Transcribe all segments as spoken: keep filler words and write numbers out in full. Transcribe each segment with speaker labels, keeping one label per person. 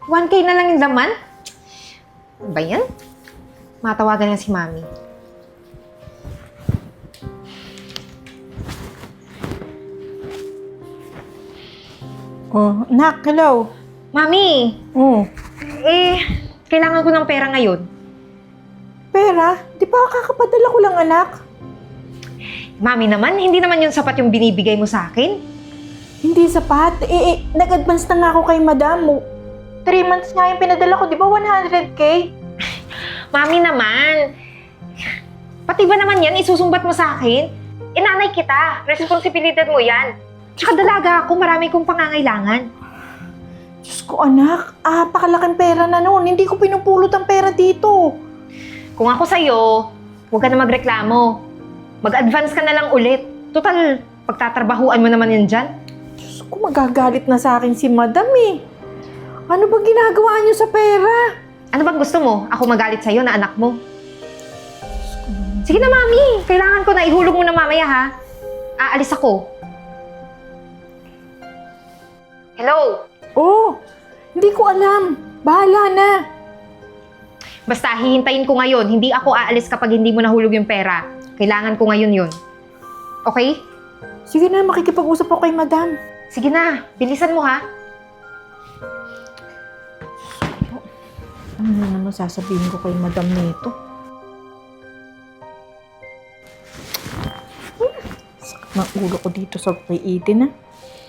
Speaker 1: one K na lang yung laman? Ano ba yan? Matawagan nga si Mami.
Speaker 2: Oh, nak, hello.
Speaker 1: Mami!
Speaker 2: Oh,
Speaker 1: Eh, kailangan ko ng pera ngayon.
Speaker 2: pera? Di ba kakapadala ko lang, anak?
Speaker 1: Mami naman, hindi naman yung sapat yung binibigay mo sa akin.
Speaker 2: Hindi sapat. Eh, eh nag-advance na nga ako kay madam mo. Three months nga yung pinadala ko, di ba one hundred K?
Speaker 1: Mami naman, pati ba naman yan, isusumbat mo sa akin? Inanay kita, responsibilidad mo yan. Tsaka dalaga ako, marami kong pangangailangan.
Speaker 2: Diyos ko, anak. Ah, pakalaking pera na noon. Hindi ko pinupulot ang pera dito.
Speaker 1: Kung ako sa'yo, huwag ka na magreklamo. Mag-advance ka na lang ulit. Total, pagtatrabahuan mo naman yan dyan.
Speaker 2: Diyos ko, magagalit na sa akin si madam eh. Ano ba ginagawa niyo sa pera?
Speaker 1: Ano bang gusto mo? Ako magalit sa'yo na anak mo? Sige na, Mami. Kailangan ko na. Ihulog mo na mamaya, ha? Aalis ako. Hello?
Speaker 2: Oh, hindi ko alam. Bahala na.
Speaker 1: Basta hihintayin ko ngayon. Hindi ako aalis kapag hindi mo nahulog yung pera. Kailangan ko ngayon yun. Okay?
Speaker 2: Sige na, makikipag-usap ako kay madam.
Speaker 1: Sige na. Bilisan mo, ha?
Speaker 2: Ano na naman sasabihin ko kay madam nito? Sakit ng ulo ko dito sa kay Eden, ah.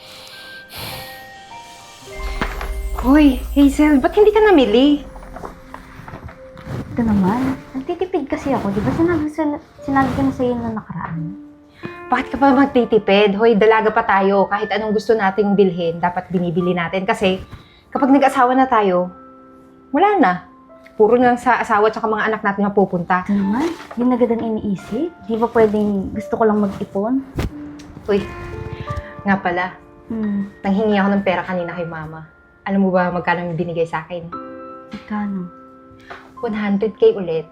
Speaker 1: Hoy, Hazel, ba't hindi ka namili?
Speaker 3: Ito naman, nagtitipid kasi ako. Di ba sinabi, sinabi ko na sa'yo na nakaraan?
Speaker 1: Bakit ka pa magtitipid? Hoy, dalaga pa tayo. Kahit anong gusto nating bilhin, dapat binibili natin. Kasi kapag nag-asawa na tayo, wala na. Puro na lang sa asawa at mga anak natin mapupunta.
Speaker 3: Ito naman, yun agad ang iniisip. Di ba pwedeng gusto ko lang mag-ipon?
Speaker 1: Uy, nga pala,
Speaker 3: Hmm,
Speaker 1: nanghingi ako ng pera kanina kay Mama. Alam mo ba magkano yung binigay sa akin?
Speaker 3: magkano?
Speaker 1: one hundred K ulit.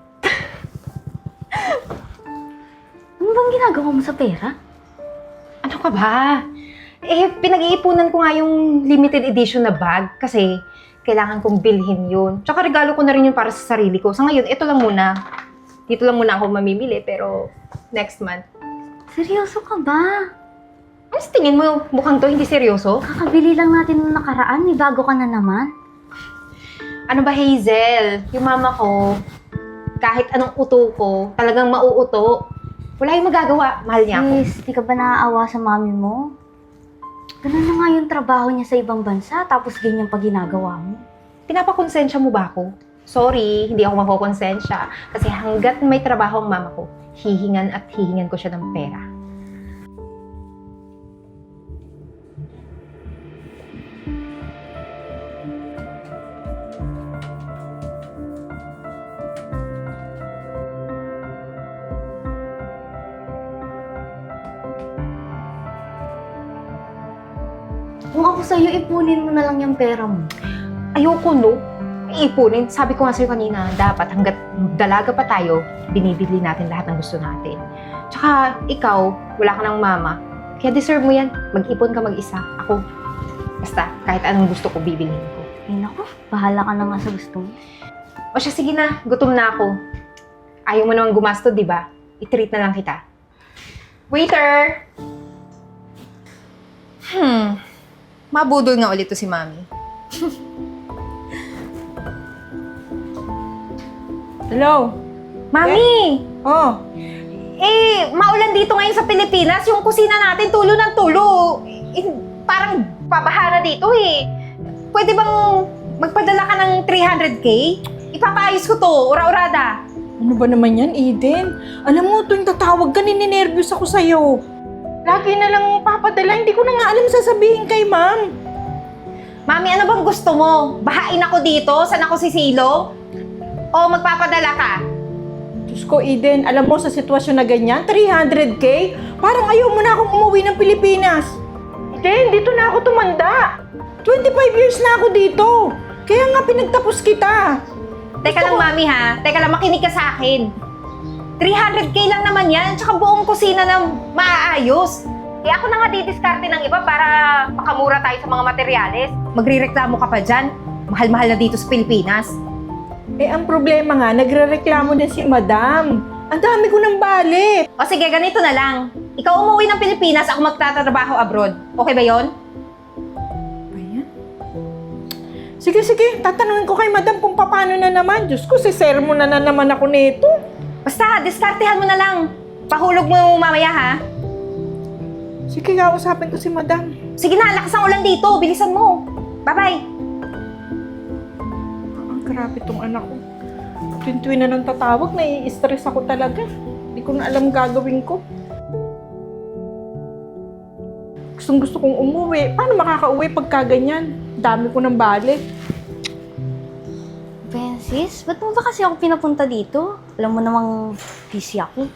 Speaker 3: Ano bang ginagawa mo sa pera?
Speaker 1: Ano ka ba? Eh, pinag-iipunan ko nga yung limited edition na bag kasi kailangan kong bilhin yun. Tsaka regalo ko na rin yun para sa sarili ko. Sa ngayon, ito lang muna. Dito lang muna ako mamimili, pero next month.
Speaker 3: Seryoso ka ba?
Speaker 1: Ano sa tingin mo? Mukhang to, hindi seryoso?
Speaker 3: Kakabili lang natin nung nakaraan, may bago ka na naman.
Speaker 1: Ano ba, Hazel? Yung mama ko, kahit anong uto ko, talagang mauuto. Wala yung magagawa. Mahal niya ako.
Speaker 3: Please, di ka ba naaawa sa mami mo? Ganun na nga yung trabaho niya sa ibang bansa, tapos ganyan pa ginagawa mo.
Speaker 1: Pinapakonsensya mo ba ako? Sorry, hindi ako makokonsensya. Kasi hanggat may trabaho ang mama ko, hihingan at hihingan ko siya ng pera.
Speaker 3: Kung ako sa'yo, ipunin mo na lang yung pera mo.
Speaker 1: Ayoko, no? Iipunin. Sabi ko nga sa'yo kanina, dapat hanggat dalaga pa tayo, binibili natin lahat ng gusto natin. Tsaka, ikaw, wala ka ng mama. Kaya deserve mo yan. Mag-ipon ka mag-isa. Ako, basta, kahit anong gusto ko, bibilhin ko.
Speaker 3: Ay naku, bahala ka na nga sa gusto mo.
Speaker 1: O siya, sige na. Gutom na ako. Ayaw mo naman gumasto, di ba? I-treat na lang kita. Waiter! Hmm. Mabudol nga ulit to si Mami.
Speaker 2: Hello?
Speaker 1: Mami!
Speaker 2: Oh,
Speaker 1: Eh, maulan dito ngayon sa Pilipinas. Yung kusina natin, tulo ng tulo. Eh, parang pabaha na dito eh. Pwede bang magpadala ka ng three hundred K? Ipapaayos ko to, ura-urada.
Speaker 2: ano ba naman yan, Eden? Alam mo, tuwing tatawag ka, nininervyos ako sa'yo. Lagi na lang papadala, hindi ko na nga alam sasabihin kay ma'am.
Speaker 1: Mami, ano bang gusto mo? Bahain ako dito? Saan ako sisilong? O magpapadala ka?
Speaker 2: Diyos ko, Eden, alam mo sa sitwasyon na ganyan, three hundred K? Parang ayaw mo na akong umuwi ng Pilipinas. Eden, dito na ako tumanda. twenty-five years na ako dito. Kaya nga pinagtapos kita.
Speaker 1: Teka lang, Mami, ha? Teka lang, makinig ka sa akin. three hundred K lang naman yan, tsaka buong kusina na maaayos. Eh ako na nga didiskarte ng iba para makamura tayo sa mga materyales. Magrireklamo ka pa dyan. mahal-mahal na dito sa Pilipinas.
Speaker 2: Eh, ang problema nga, nagre-reklamo din si Madam. Ang dami ko ng bali.
Speaker 1: O sige, ganito na lang. Ikaw umuwi ng Pilipinas, ako magtatrabaho abroad. Okay ba yon?
Speaker 2: Ayan. Sige, sige. Tatanungin ko kay Madam kung paano na naman. Diyos ko, si sermon na na naman ako nito.
Speaker 1: Basta, diskartehan mo na lang. Pahulog mo mamaya ha.
Speaker 2: Sige, kausapin ko si Madam.
Speaker 1: Sige na, lakas ang ulan dito. Bilisan mo. Bye-bye.
Speaker 2: Ang grabe tong anak ko. Tuwin-tuwin na lang tatawag, nai-stress ako talaga. Hindi ko na alam gagawin ko. Gustong gusto kong umuwi. Paano makakauwi pagka ganyan? Dami ko ng bali.
Speaker 3: Francis, ba't mo ba kasi ako pinapunta dito? Alam mo namang busy ako.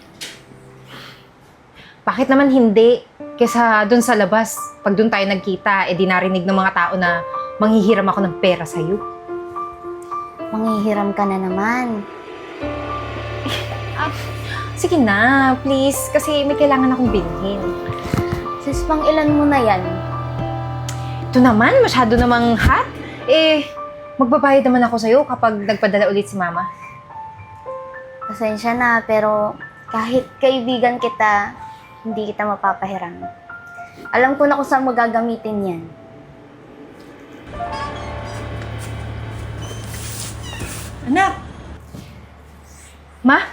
Speaker 1: Bakit naman hindi? Kesa dun sa labas, pag dun tayo nagkita, eh di narinig ng mga tao na manghihiram ako ng pera sa'yo.
Speaker 3: Manghihiram ka na naman.
Speaker 1: Ah, sige na, please. Kasi may kailangan akong bilhin.
Speaker 3: Sis, pang ilan mo na yan?
Speaker 1: Ito naman, masyado namang hot. Eh, magbabayad naman ako sa'yo kapag nagpadala ulit si Mama.
Speaker 3: Pasensya na, pero kahit kaibigan kita, hindi kita mapapahiram. Alam ko na kung saan mo gagamitin yan.
Speaker 2: Anak!
Speaker 1: Ma?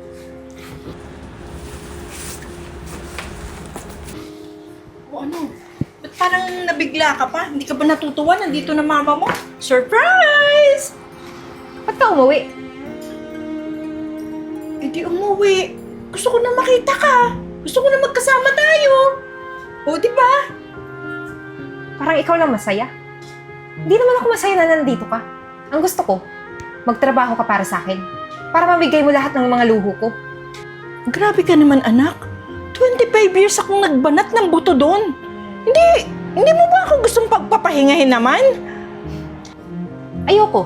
Speaker 2: O ano? Ba't parang nabigla ka pa? Hindi ka ba natutuwa? Nandito na mama mo? Surprise!
Speaker 1: Ba't ka umuwi?
Speaker 2: Eh di umuwi. Gusto ko na makita ka. Gusto ko na magkasama tayo. O, di ba?
Speaker 1: Parang ikaw lang masaya. Hindi naman ako masaya na nandito ka. Ang gusto ko, magtrabaho ka para sa akin. Para mamigay mo lahat ng mga luho ko.
Speaker 2: Grabe ka naman, anak. twenty-five years akong nagbanat ng buto doon. Hindi, hindi mo ba ako gustong pagpapahingahin naman?
Speaker 1: Ayoko.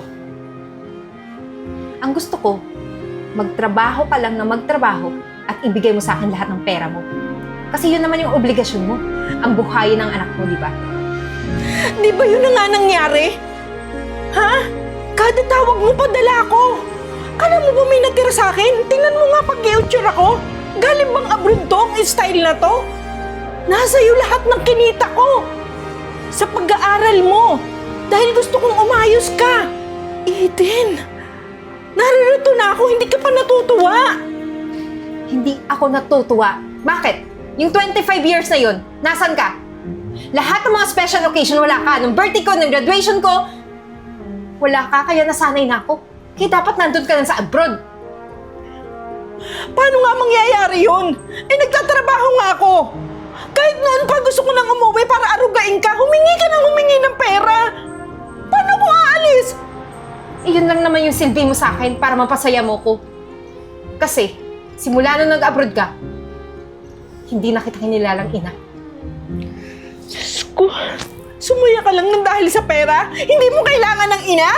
Speaker 1: Ang gusto ko, magtrabaho ka lang na magtrabaho at ibigay mo sa akin lahat ng pera mo. Kasi yun naman yung obligasyon mo. Ang buhayin ng anak mo, di ba?
Speaker 2: Di ba yun na nga nangyari? Ha? Kada tawag mo, padala ko. Kala mo ba may natira sa akin? Tingnan mo nga pag-i-outure ako. Galing bang abroad to ang style na to? Nasa iyo lahat ng kinita ko. Sa pag-aaral mo. Dahil gusto kong umayos ka. Eden, naririto na ako, hindi ka pa natutuwa.
Speaker 1: Hindi ako natutuwa. Bakit? Yung twenty-five years na yun, nasan ka? Lahat ng mga special occasion, wala ka. Nung birthday ko, nung graduation ko, wala ka, kaya nasanay na ako. Kaya dapat nandun ka lang sa abroad.
Speaker 2: Paano nga mangyayari yun? Eh, nagtatrabaho nga ako. Kahit noon pa gusto ko nang umuwi para arugain ka, humingi ka nang humingi ng pera. Paano ko aalis?
Speaker 1: Eh, yun lang naman yung silbi mo sa akin para mapasaya mo ko. Kasi, simula nung nag-abroad ka, hindi na kita kinilalang ina.
Speaker 2: Diyos ko, sumuya ka lang ng dahil sa pera? Hindi mo kailangan ng ina?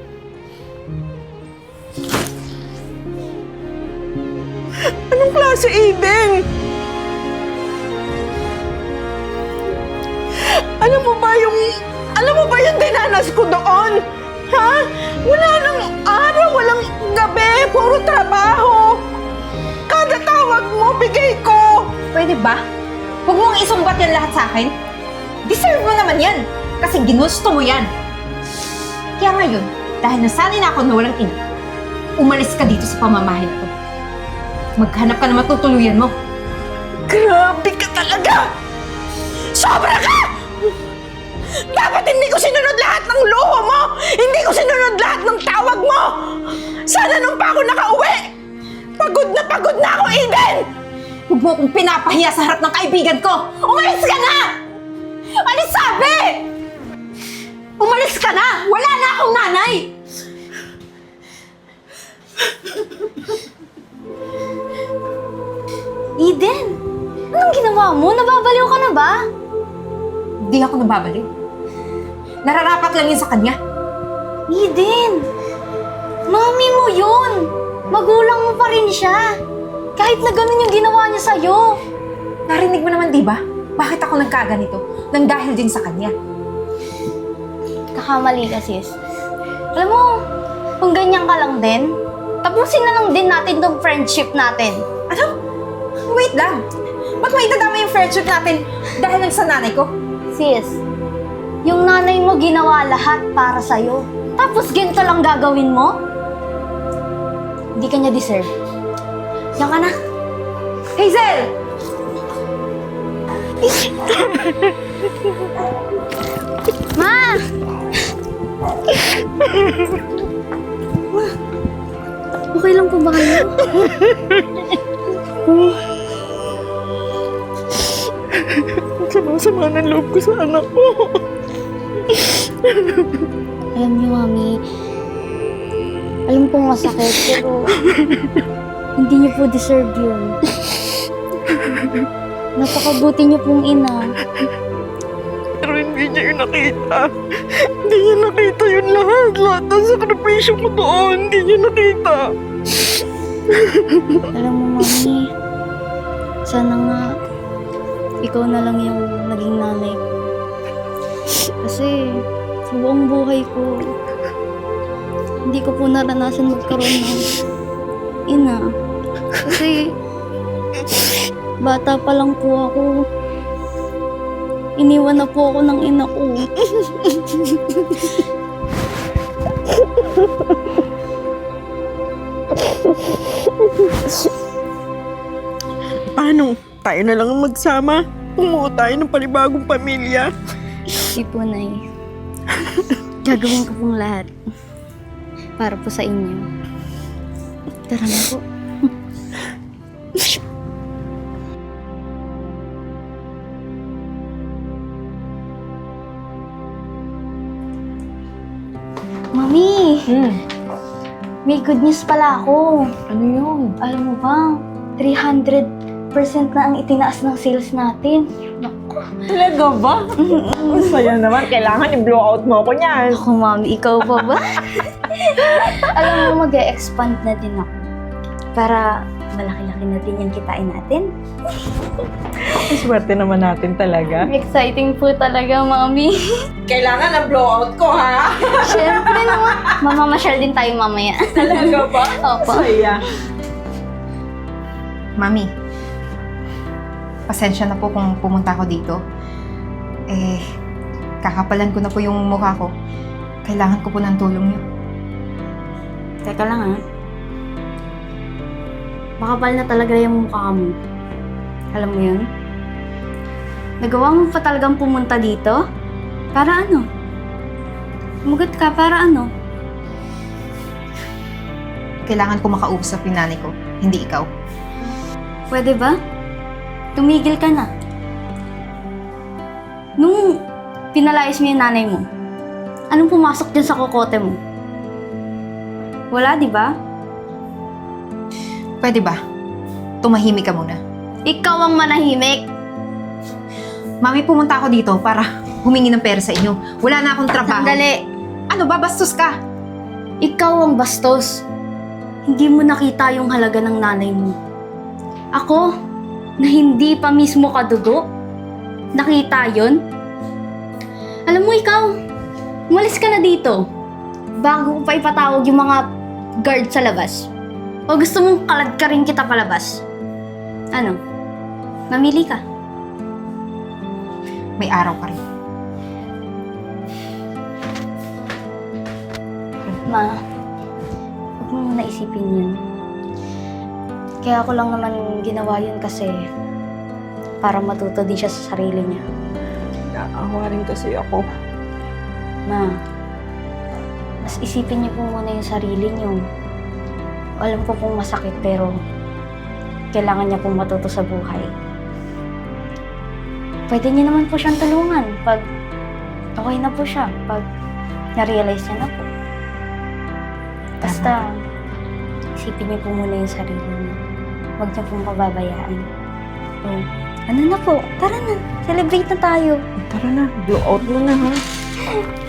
Speaker 2: Anong klase, Eden? Alam mo ba yung... Alam mo ba yung dinanas ko doon? Ha? Wala nang araw, walang gabi, puro trabaho. Kada tawag mo, bigay ko.
Speaker 1: Pwede ba? Huwag mong isumbat yan lahat sa akin. Deserve mo naman yan. Kasi ginusto mo yan. Kaya ngayon, dahil nasanay na ako na walang ina, umalis ka dito sa pamamahay na to. Maghanap ka na matutuluyan mo.
Speaker 2: Grabe ka talaga! Sobra ka! Dapat hindi ko sinunod lahat ng luho mo! Hindi ko sinunod lahat ng tawag mo! Sana nung pa ako nakauwi! Pagod na pagod na ako, Eden!
Speaker 1: Huwag mo akong pinapahiya sa harap ng kaibigan ko! Umalis ka na! Alis sabi! Umalis ka na! Wala na akong nanay!
Speaker 3: Eden, anong ginawa mo? Nababaliw ka na ba?
Speaker 1: Hindi ako nababaliw. Nararapat lang yun sa kanya.
Speaker 3: Eden, mami mo yun. Magulang mo pa rin siya. Kahit na ganun yung ginawa niya sa'yo.
Speaker 1: Narinig mo naman, di ba? Bakit ako nagkaganito? Nang dahil din sa kanya.
Speaker 3: Kakamali ka, sis. Alam mo, kung ganyan ka lang din, tapusin na lang din natin tong friendship natin.
Speaker 2: Ano? Wait lang. Ba't may itadama yung friendship natin dahil lang sa nanay ko?
Speaker 3: Sis, yung nanay mo ginawa lahat para sa'yo. Tapos ganito lang gagawin mo? Hindi ka niya deserve. Diyan ka na.
Speaker 2: Hazel!
Speaker 3: Ma! Ma, okay lang po ba kayo?
Speaker 2: Sama-sama ng loob ko sa anak ko.
Speaker 3: Alam niyo, Mami, alam kong masakit, pero hindi niyo po deserve yun. Napakabuti niyo pong ina.
Speaker 2: Pero hindi niya yun nakita. Hindi niya nakita yun lahat. Lahat ng sakripisyo ko doon. Hindi niya nakita.
Speaker 3: Alam mo, Mami, sana nga ikaw na lang yung naging nanay ko. Kasi sa buong buhay ko, hindi ko po naranasan magkaroon ng ina. Kasi bata pa lang po ako. Iniwan na po ako ng ina ko.
Speaker 2: Paano? Tayo na lang ang magsama. Bumuo tayo ng panibagong pamilya.
Speaker 3: Hindi po, Nay. Gagawin ko pong lahat para po sa inyo. Tara na po. Mami,
Speaker 1: Hmm,
Speaker 3: may good news pala ako.
Speaker 1: ano yun?
Speaker 3: Alam mo ba, three hundred percent na ang itinaas ng sales natin.
Speaker 2: Talaga ba? Ang saya naman. Kailangan i-blow out mo ako niyan.
Speaker 3: Ako, Mami, ikaw pa ba? Alam mo, mag-e-expand na din ako. Para malaki-laki na din yung kitain natin.
Speaker 2: Ang swerte naman natin talaga.
Speaker 3: Exciting po talaga, Mami.
Speaker 2: Kailangan ang blowout ko, ha?
Speaker 3: Siyempre naman. Mamamasyal din tayo mamaya.
Speaker 2: Talaga ba?
Speaker 3: Opo.
Speaker 2: Saya.
Speaker 1: Mami, pasensya na po kung pumunta ako dito. Eh, kakapalan ko na po yung mukha ko. Kailangan ko po ng tulong niyo.
Speaker 3: Teka lang, ha? Makapal na talaga yung mukha mo. Alam mo yun? Nagawa mo pa talagang pumunta dito? Para ano? Umugat ka, para ano?
Speaker 1: Kailangan ko makausap yung nanay ko, hindi ikaw.
Speaker 3: Pwede ba? Tumigil ka na. Nung pinalayas mo yung nanay mo, anong pumasok dyan sa kokote mo? Wala, di ba?
Speaker 1: Pwede ba? Tumahimik ka muna.
Speaker 3: Ikaw ang manahimik.
Speaker 1: Mami, pumunta ako dito para humingi ng pera sa inyo. Wala na akong trabaho.
Speaker 3: Sandali.
Speaker 1: Ano ba? Bastos ka!
Speaker 3: Ikaw ang bastos. Hindi mo nakita yung halaga ng nanay mo. Ako, na hindi pa mismo kadugo, nakita yon. Alam mo ikaw, umalis ka na dito. Bago ko pa ipatawag yung mga guard sa labas. O gusto mong kalad ka rin kita palabas? Ano? Mamili ka.
Speaker 1: May araw ka rin.
Speaker 3: Ma, huwag mo muna isipin yun. Kaya ako lang naman ginawa yun kasi para matuto din siya sa sarili niya.
Speaker 2: Naawa rin kasi ako.
Speaker 3: Ma, mas isipin niyo po muna yung sarili niyo. Alam ko pong masakit pero kailangan niya pong matuto sa buhay. Pwede niyo naman po siyang tulungan pag okay na po siya, pag na-realize niya na po. Basta, isipin niyo po muna yung sarili niyo. Huwag niyo pong pababayaan. So, ano na po, tara na, celebrate na tayo.
Speaker 2: Tara na, blow out mo na, ha?